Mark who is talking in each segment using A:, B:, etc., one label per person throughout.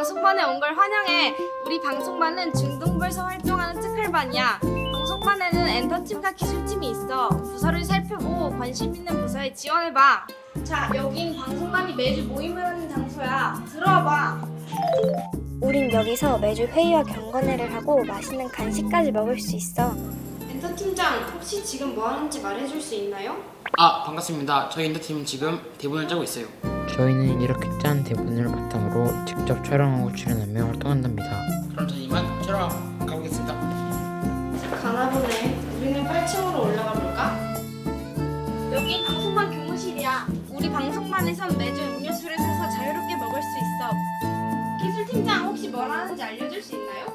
A: 방송반에 온 걸 환영해. 우리 방송반은 중등부에서 활동하는 특활반이야. 방송반에는 엔터팀과 기술팀이 있어. 부서를 살펴보고 관심 있는 부서에 지원해봐. 자, 여긴 방송반이 매주 모임을 하는 장소야. 들어와봐.
B: 우린 여기서 매주 회의와 경건회를 하고 맛있는 간식까지 먹을 수 있어.
A: 엔터팀장, 혹시 지금 뭐 하는지 말해줄 수 있나요?
C: 반갑습니다. 저희 인터팀은 지금 대본을 짜고 있어요.
D: 저희는 이렇게 짠 대본을 바탕으로 직접 촬영하고 출연하며 활동한답니다.
C: 그럼 저는 이만 촬영 가보겠습니다.
A: 가나 보네. 우리는 8층으로 올라가 볼까? 여기 방송반 교무실이야. 우리 방송반에선 매주 음료수를 사서 자유롭게 먹을 수 있어. 기술팀장, 혹시 뭘 하는지 알려줄 수 있나요?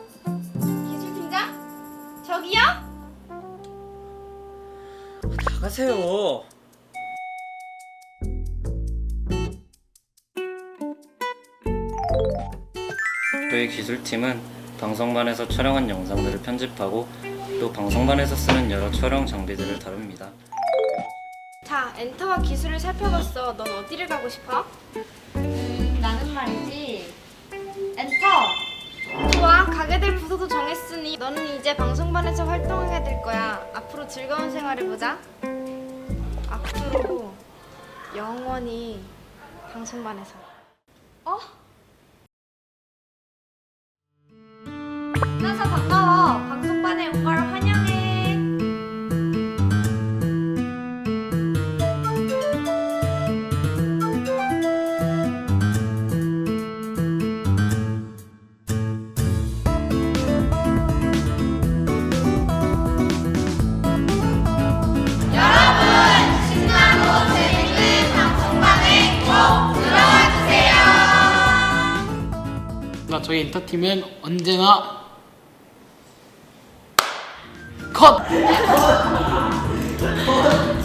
A: 기술팀장? 저기요?
E: 나가세요. 저희 기술팀은 방송반에서 촬영한 영상들을 편집하고 또 방송반에서 쓰는 여러 촬영 장비들을 다룹니다.
A: 자, 엔터와 기술을 살펴봤어. 넌 어디를 가고 싶어?
F: 나는 말이지. 엔터!
A: 좋아, 가게 될 부서도 정했으니 너는 이제 방송반에서 활동하게 될 거야. 앞으로 즐거운 생활해보자. 앞으로 영원히 방송반에서. 만나서 반가워. 방송반에 온 걸 환영해.
C: 저희 인터팀은 언제나 컷!